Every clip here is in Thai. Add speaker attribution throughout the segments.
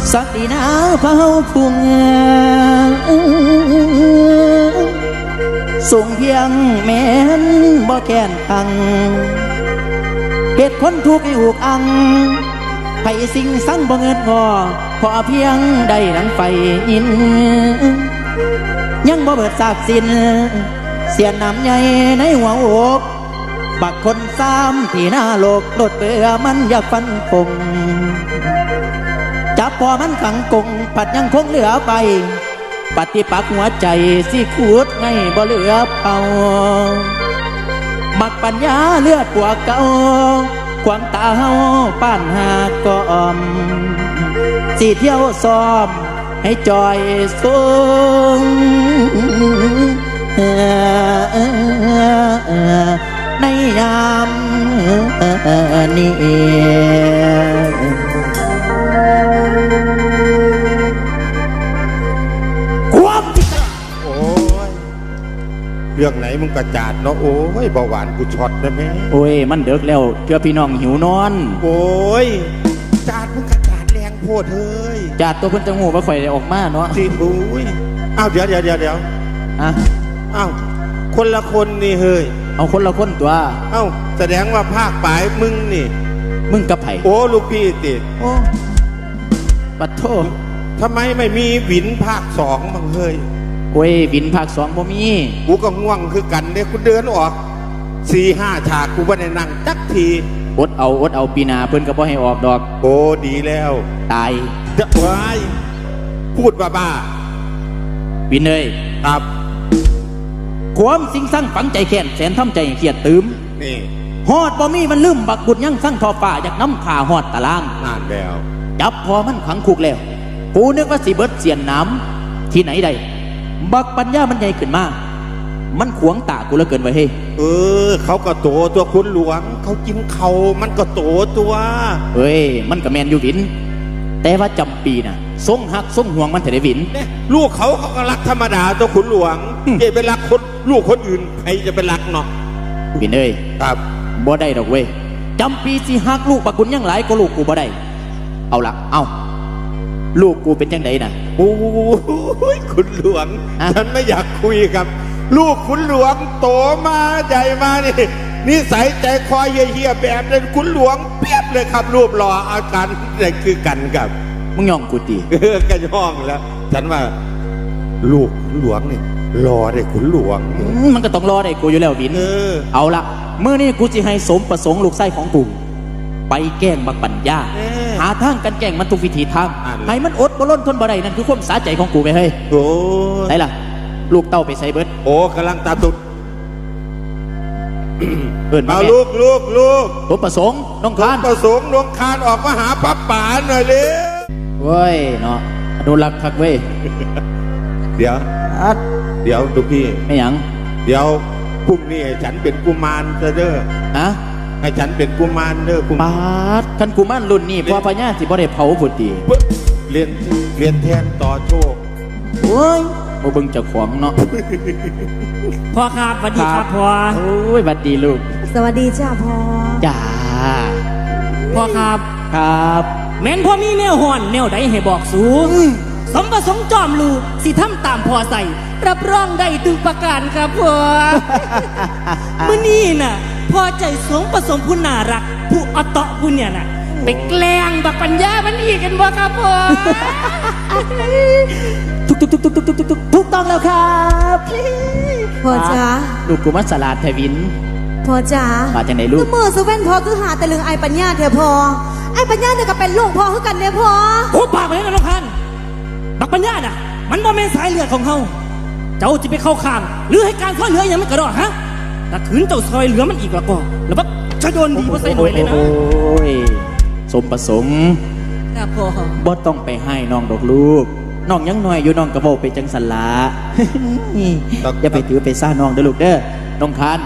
Speaker 1: สักดีนาเฝ้าพุ่งส่งเพียงแม่นบ่แก่นคังเหตุคนทุกข์ให้อุกอังไผสิ่งสั่งบ่เงินงอพอเพียงได้ดังไฟยินยังบ่เบิดซากสิ้นเสียน้ำใหญ่ในหัวอกบักคนซ้ำที่หน้าโลกโลดเบื่อมันอยากฟันคงจับพอมันขังกงผัดยังคงเหลือไปปฏิปักษ์หัวใจสิขูดไงบ่เหลือเป่ามักปัญญาเลือดปวกเก่าความตาเฮาป้านหากกอมสิเที่ยวซ้อมให้จอยสูงในยามนี้ความ
Speaker 2: โอ้ยเรื่องไหนมึงกระจาดเนาะโอ้ยเบาหวานกูช็อตนะแม่
Speaker 1: โอ้ยมันเดึกแล้วเพื่อพี่น้องหิวนอน
Speaker 2: โอ้ยจาดมึงกระจาดแรงโพดเฮ้ย
Speaker 1: จาดตัวเพิ่นจะงูว่าข่อยได้ออกมาเนาะ
Speaker 2: จริงโอ้ยอ้าวเดี๋ยว
Speaker 1: อะ
Speaker 2: อ้าวคนละคนนี่เฮ้ย
Speaker 1: เอาคนละคนตัว
Speaker 2: อ้าวแสดงว่าภาคปลายมึงนี่
Speaker 1: มึงกับไผ่
Speaker 2: โอ้ลูกพี่ติด
Speaker 1: โอ้ปัดโทษ
Speaker 2: ทำไมไม่มีวินภาค2บ้างเฮ้ย
Speaker 1: โอ้ยวินภาค2บ่มี
Speaker 2: กูก็ง่วงคือกันเนี่ยกูเดินออก 4-5 ฉากกูไม่ได้นั่งจักที
Speaker 1: อดเอาปีนาเพิ่นก็บ่ให้ออกดอก
Speaker 2: โอ้ดีแล้ว
Speaker 1: ตาย
Speaker 2: จะวายพูดบ้า
Speaker 1: วินเอ้ย
Speaker 2: ครับ
Speaker 1: ความสิงสั่งฝังใจแค้นแสนทำใจเขียดตืม
Speaker 2: นี่
Speaker 1: ฮอดบ่มีมันลืมบักบุญยังสั่งทอฟ้าอยากน้ำขาฮอดตาราง
Speaker 2: นานแล้ว
Speaker 1: จับพอมันขังคุกแล้วกูนึกว่าสิเบิดเสียนน้ำที่ไหนได้บักปัญญามันใหญ่ขึ้นมามันขวงตากูเหลือเกินไว้เฮ้
Speaker 2: เขาก็โตตัวคุณหลวงเขากินเขามันก็โตตัว
Speaker 1: เฮ้ยมันก็แมนอยู่วินแต่ว่าจำปีน่ะทรงหักทรงห่วงมันแต่ได้วิน
Speaker 2: ลูกเขาก็รักธรรมดาตัวขุนหลวงเย่ไปรักคนลูกคนอื่นใครจะไปรักเนาะ
Speaker 1: วินเอ้ย
Speaker 2: ครับ
Speaker 1: บ่ได้ดอกเว้ยจำปีสิหักลูกปะกุญยังหลายก็ลูกกูบ่ได้เอาละเอาลูกกูเป็นจังไดน่ะ
Speaker 2: โอ้ยขุนหลวงฉันไม่อยากคุยกับลูกขุนหลวงโตมาใหญ่มานี่นิสัยใจคอยเฮี้ยแบบนั้นขุนหลวงเปียบเลยครับรูปหล่ออาการนี่คือกันกับ
Speaker 1: มึงย่องกูตี
Speaker 2: กันย่องแล้วฉันว่าลูกขุนหลวงนี่รอได้ขุนหลวง
Speaker 1: มันก็ต้องรอได้กูอยู่แล้ววินเอาละเมื่อนี้กูจะให้สมประสงค์ลูกไส้ของกูไปแกล้งบักปัญญาหาทางกันแกล้งมันทุกวิธีทางให้มันอดบ่ล้นทนบ่ได้นั่นคือความสาใจของกูไปเฮ้ย
Speaker 2: โอ้
Speaker 1: ไหนล่ะลูกเต้าไปใส่เบิด
Speaker 2: โอ้กำลังตาตุด
Speaker 1: เอา
Speaker 2: ลูก
Speaker 1: สมประสงค์น้องคาน
Speaker 2: ประสงค์น้องคานออกมาหาป้าป๋าหน่อยเลย
Speaker 1: เว้ยเนาะอนุรักษ์คักเว้ย
Speaker 2: เดี๋ยวลูกพี่
Speaker 1: ไม่หยัง
Speaker 2: เดี๋ยวพรุ่งนี้ฉันเป็นกุมารเด้อ
Speaker 1: ฮะ
Speaker 2: ให้ฉันเป็นกุมารเด้อกุม
Speaker 1: ารท่านกุมารรุ่นนี้พอพญาสิบ่ได้เผาพุทธิ
Speaker 2: เรียนแทนต่อโชค
Speaker 1: โอ้ยบ่เบิ่งเจ้าของเนาะ
Speaker 3: พ่อครับสวัสดีครับพ่อ
Speaker 1: โอ้ยสวัสดีลูก
Speaker 4: สวัสดีจ้าพ่อ
Speaker 1: จ้า
Speaker 3: พ่อครับแม่นพ่อมีแนวห่อนแนวใดให้บอกสูสมประสงค์จอมลูกสิทำตามพ่อใส่รับรองได้ทุกประการครับพ่อมื้อนี้น่ะพ่อใจสมประสงค์ผู้น่ารักผู้อตะผู้เนี่ยน่ะไปแกล้งบักปัญญามันอีกกันบ่ครับพ่อ
Speaker 1: ถูกต้องแล้วครับ
Speaker 4: พ่อจ๋า
Speaker 1: ลูกกูมัสลาดไทวิน
Speaker 4: พ่อจ๋า
Speaker 1: มาจากไหนลูก
Speaker 4: มือสเว่นพ่อคือหาแต่เรื่องไอ้ปัญญาเถอะพ่อไอ้ปัญญาเนี่ยก็เป็นลูกพ่อคือกันเนี่ยพ่อ
Speaker 3: โอ้ปากไปแล้วน้องพันบักปัญญาน่ะมันบ่แม่นสายเลือดของเฮาเจ้าจะไปเข้าข้างหรือให้การช่วยเหลืออย่างมันกระโดดฮะถ้าขืนเจ้าซอยเหลือมันอีกแล้วก็แล้วบักจะโดนดีว่าใส่หน่อยเลยนะ
Speaker 1: โอ้ยสมประสงค์
Speaker 4: ครับพ่อ
Speaker 1: บ่ต้องไปให้น้องดอกลูกน้องยังน้อยอยู่น้องกระโบไปจังสันละอย่าไปถือไปซ่าน้องเด้อลูกเด้อน้องคาน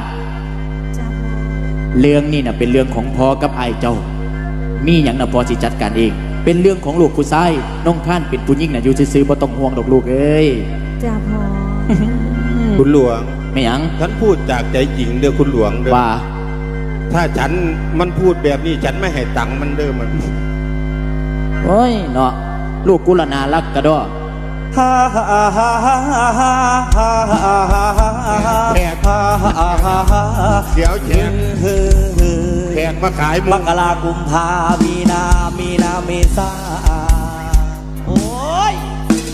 Speaker 1: เรื่องนี่น่ะเป็นเรื่องของพ่อกับไอ้เจ้ามีอย่างน่ะพ่อสิจัดการเองเป็นเรื่องของลูกผู้ชายน้องคานเป็นผู้หญิงน่ะอยู่ซื่อๆบ่ต้องห่วงดอกลูกเอ้ย
Speaker 4: จ้าพ่อ
Speaker 2: คุณหลวง
Speaker 1: ไม่หยัง
Speaker 2: ฉันพูดจากใจจริงเด้อคุณหลวงเด้อ
Speaker 1: ว่า
Speaker 2: ถ้าฉันมันพูดแบบนี้ฉันไม่ให้ตังค์มันเด้อมัน
Speaker 1: โอ้ยเนาะลูกกุละนารักกระดอ
Speaker 2: แขกเดี๋ยวแขกมาขายมุ
Speaker 5: ม
Speaker 2: ก
Speaker 5: กรากุมภามีนาเมษาโอ้ย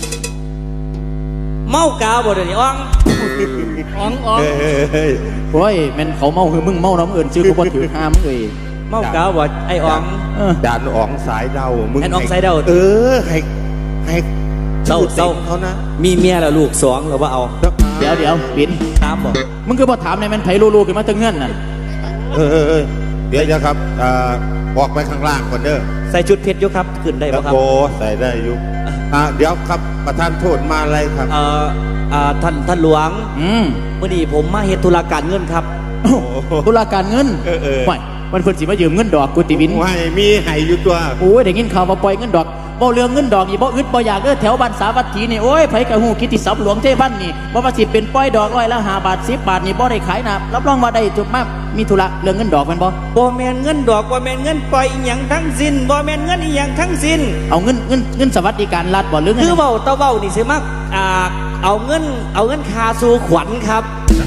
Speaker 5: เมากาวบ่เดี๋ยวนี้อ่อง
Speaker 3: อ๋องอ๋อง
Speaker 2: เฮ้ย
Speaker 1: โอ้ยแม่นเขาเมาคือมึงเมาน้ำเอิญชื่อกูบ่ถือห้ามงเลย
Speaker 5: เมากาวบ่ไอ้อ่อง
Speaker 2: จานอ๋องสายเดามึง
Speaker 5: แอนอ๋องสายเดา
Speaker 2: ให้
Speaker 5: เศร้า
Speaker 2: ชื่อต็มเขานะ
Speaker 5: มีเมียแล้วลูกสองหรือว่าเอา
Speaker 1: เดี๋ยวปิน
Speaker 5: ตามบ่
Speaker 1: มึงคือบ่ถามในแม่นไผรู้ๆขึ้นมาตั้งเงื่อนน่ะ
Speaker 2: เดี๋ยวครับออกไปข้างล่างก่อนเด้อ
Speaker 5: ใส่ชุดเพชรอยู่ครับขึ้นได้บ่ครับ
Speaker 2: โอ้ใส่ได้อยู่เดี๋ยวครับประธานโทษมาอะไรครับ
Speaker 5: ท่านหลวง มื่อนี้ผมมาเฮ็ดธุรการเงินครับ
Speaker 1: ธุรการเงินไม่มันคนสิมายืมเงินดอกกูติวิน
Speaker 2: ให้มีให้อยู่ตัว
Speaker 1: โอ้ยได้ยินข่าวมาปล่อยเงินดอกบ่เรื่องเงินดอกนี่บ่อึดบ่อยากเด้อแถวบ้านสาวัตถีนี่โอ้ยไผกะฮู้คิดที่สับหลวงเทวันนี่บ่ว่าสิเป็นปล่อยดอกร้อยละ5 บาท10 บาทนี่บ่ได้ขายนะรับรองว่าได้จุดมากมีธุระเรื่องเงินดอกแม่นบ่
Speaker 5: บ่แม่นเงินดอกบ่แม่นเงินปล่อยอีหยังทั้งสิ้นบ่แม่นเงินอีหยังทั้งสิ้น
Speaker 1: เอาเงินสวัสดิการรัฐบ่หรือไง
Speaker 5: คือเว้าตะเว้านี่สิมักเอาเงินค่าสู่ขวัญครับ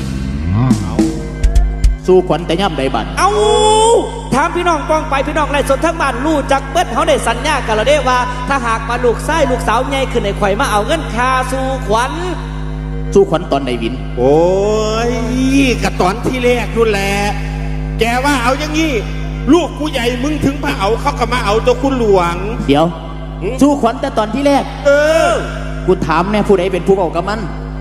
Speaker 1: สู่ขวัญแต่ย่ำใดบัด
Speaker 5: เอาถามพี่น้องป้องไปพี่น้องไล่สดทั้งบ้านรู้จักเบิดเขาได้สัญญากันแล้วเด้ว่า ถ้าหากมาลูกชายลูกสาวใหญ่ขึ้นในข่อยมาเอาเงินค่าสู่ขวัญ
Speaker 1: สู่ขวัญตอนใดวิน
Speaker 2: โอ้ยกระตอนที่แรกนู่นแหละแกว่าเอาอย่างงี้ลูกกูใหญ่มึงถึงมาเอาเขาก็มาเอาตัวคุณหลวง
Speaker 1: เดี๋ยวสู่ขวัญแต่ตอนที่แรก
Speaker 2: อ
Speaker 1: กูถามแน่ผู้ใดเป็นผู้เอากับมัน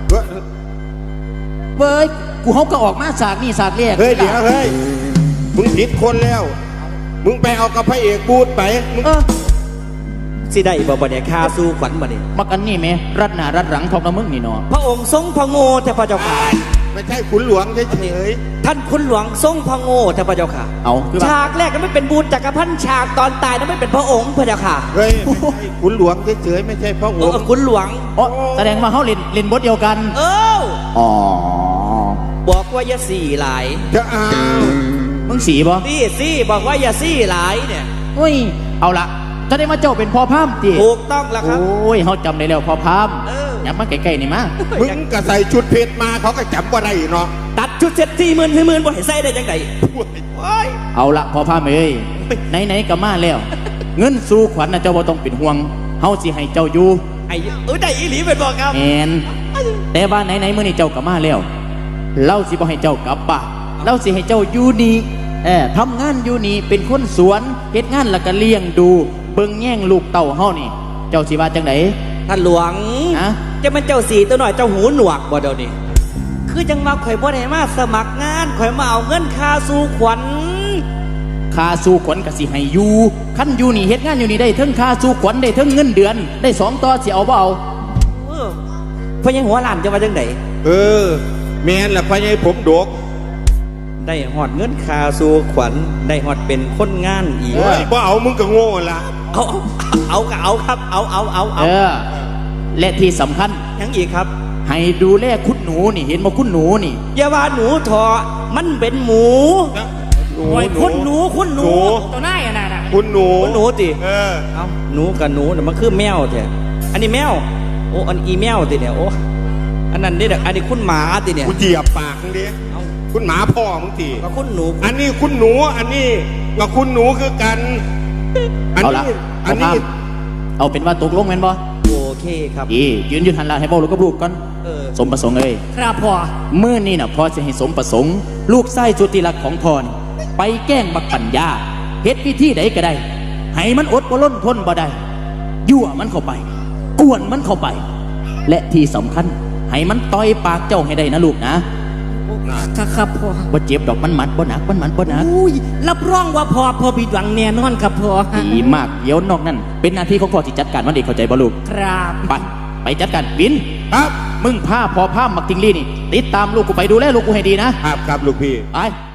Speaker 1: เว้ยกูเฮาก็ออกมาฉากนี่ฉากแรก
Speaker 2: เฮ้ยเดี๋ยวเฮ้ยมึงผิดคนแล้ว มึงไปเอากับพระเอกบูดไปมึง
Speaker 5: สิได้บ่เนี่ยค่าสู่ขวัญบ่นี่
Speaker 1: มักอันนี้แม่รัดหน้ารัดหลังทองน้ำมึงนี่เนาะ
Speaker 5: พระองค์ทรงพระโง่แต่พระเจ้าค่ะ
Speaker 2: ไม่ใช่ขุนหลวงเฉย
Speaker 5: ท่านคุณหลวงทรงพระโง่แต่พระเจ้าค่ะ
Speaker 1: เอาคือว่า
Speaker 5: ฉากแรกนั้นไม่เป็นบูญจักรพันธ์ฉากตอนตายนั้นไม่เป็นพระองค์พระเจ้าค่ะ
Speaker 2: ๆเฮ้ยไม่ใช่ขุนหลวงเฉยๆไม่ใช่พระองค์
Speaker 5: คุณหลวง
Speaker 1: อ๋อแสดงว่าเฮาเล่นบทเดียวกัน อ๋อ
Speaker 5: บอกว่าอย่าสี่หลาย
Speaker 2: จะเอา
Speaker 1: มึงสีบ่
Speaker 5: สี่บอกว่าอย่าสี่หลายเนี่ย
Speaker 1: อุ้ยเอาละจะได้มาเจ้าเป็นพ่อพามติ
Speaker 5: ถูกต้องแล้วครับ
Speaker 1: โอ้ยเฮาจำได้แล้วพ่อพาม อย่ามาใกล้ๆนี่มา
Speaker 2: มึงก็ใส่ชุดเพชรมาเขาก็จำว่าได้เนาะ
Speaker 5: ตัดชุดเซ็ต40,000บ่ให้ใส่ได้จังไดโอ้ย
Speaker 1: เอาละพ่อพามเอ้ยไหนๆก็มาแล้ว เงินสู่ขวัญนะเจ้าบ่ต้องเป็นห่วงเฮาสิให้เจ้าอยู่
Speaker 5: ได้อีหลีเป็นบอกครับ
Speaker 1: แม่นแต่ว่าไหนๆมื้อนี้เจ้าก็มาแล้วเราสิบ่ให้เจ้ากลับบ้านเราสิให้เจ้าอยู่นี่ทำงานอยู่นี่เป็นคนสวนเฮ็ดงานแล้วก็เลี้ยงดูเบิ่งแย่งลูกเต้าเฮานี่ เจ้าสิว่าจังได
Speaker 5: ท่านหลวง
Speaker 1: ฮะ
Speaker 5: จะเป็นเจ้าสีตัวหน่อยเจ้าหูหนวกบ่เดี๋ยวนี้คือจังว่าข่อยบ่ได้มาสมัครงานข่อยมาเอาเงินค่าสู่ขวัญ
Speaker 1: ค่าสู่ขวัญก็สิให้อยู่คันอยู่นี่เฮ็ดงานอยู่นี่ได้เทั้งค่าสู่ขวัญได้เทั้งเงินเดือนได้2ต่อสิเอาบ่เอา
Speaker 5: เพราะยังหัวหลานจะว่าจังได
Speaker 2: แม่นละพะยายผมดก
Speaker 5: ได้หอดเงินค่าสู่ขวัญได้หอดเป็นคนงานอีก
Speaker 2: เฮ้ยบ่เอามึงก็โง่ละ
Speaker 5: เอาก็เอาครับเอา
Speaker 1: และที่สำคัญ
Speaker 5: ยังอีกครับ
Speaker 1: ให้ดูแลคุณหนูนี่เห็นบ่คุณหนูนี่
Speaker 5: อย่าว่าหนูทอมันเป็นหมู
Speaker 2: หนู
Speaker 3: โอ้ยคุณหนู
Speaker 2: หนู
Speaker 3: ตัวหน้าอ่ะน่ะ
Speaker 2: คุณหนู
Speaker 5: หนูติ
Speaker 2: เ
Speaker 5: เอาหนูกับหนูเนี่ยมันคือแมวแท้อันนี้แมวโอ้อันอีแมวติเนี่ยโอ้อันนั้นนี่อันนี้คุณหมาติเนี่ย
Speaker 2: กูเหยียบปากมึงดิคุณหมาพ่อมึงที
Speaker 5: กับคุณหนู
Speaker 2: อันนี้คุณหนู อันนี้กับคุณหนูคือกัน
Speaker 1: เอาละ
Speaker 2: อันนี้
Speaker 1: เอาเป็นว่าตกลงแม่นบ่
Speaker 5: โอเคครับ
Speaker 1: ยืนอยู่หันหลังให้เว้าลูกกับลูกก่อน สมประสงค์เอ้ย
Speaker 3: ครับพ่อ
Speaker 1: มื้อนี้น่ะพ่อจะให้สมประสงค์ ลูกไส้สุดที่รักของพ่อนี่ไปแกล้งบักปัญญาเฮ็ดพิธีใดก็ได้ให้มันอดบ่ล้นทนบ่ได้ยั่วมันเข้าไปกวนมันเข้าไป และที่สำคัญให้มันต่อยปากเจ้าให้ได้นะลูกนะครับ
Speaker 3: พ่อ
Speaker 1: บ่เจ็บดอกมันหมัดบ่หนักมันหมัดบ่หนัก
Speaker 3: อุ้ยรับรองว่าพ่อผิดหวังแน่นอนครับพ่อ
Speaker 1: ดีมากเดี๋ยวนอกนั้นเป็นหน้าที่ของพ่อที่จัดการมันเองเข้าใจบ่ลูก
Speaker 3: ครับ
Speaker 1: ไปจัดการวิน
Speaker 2: ครับ
Speaker 1: มึงพาพ่อพามักทิงลี่นี่ติดตามลูกกูไปดูแลลูกกูให้ดีนะครับ
Speaker 2: ครับลูกพี่
Speaker 1: ไป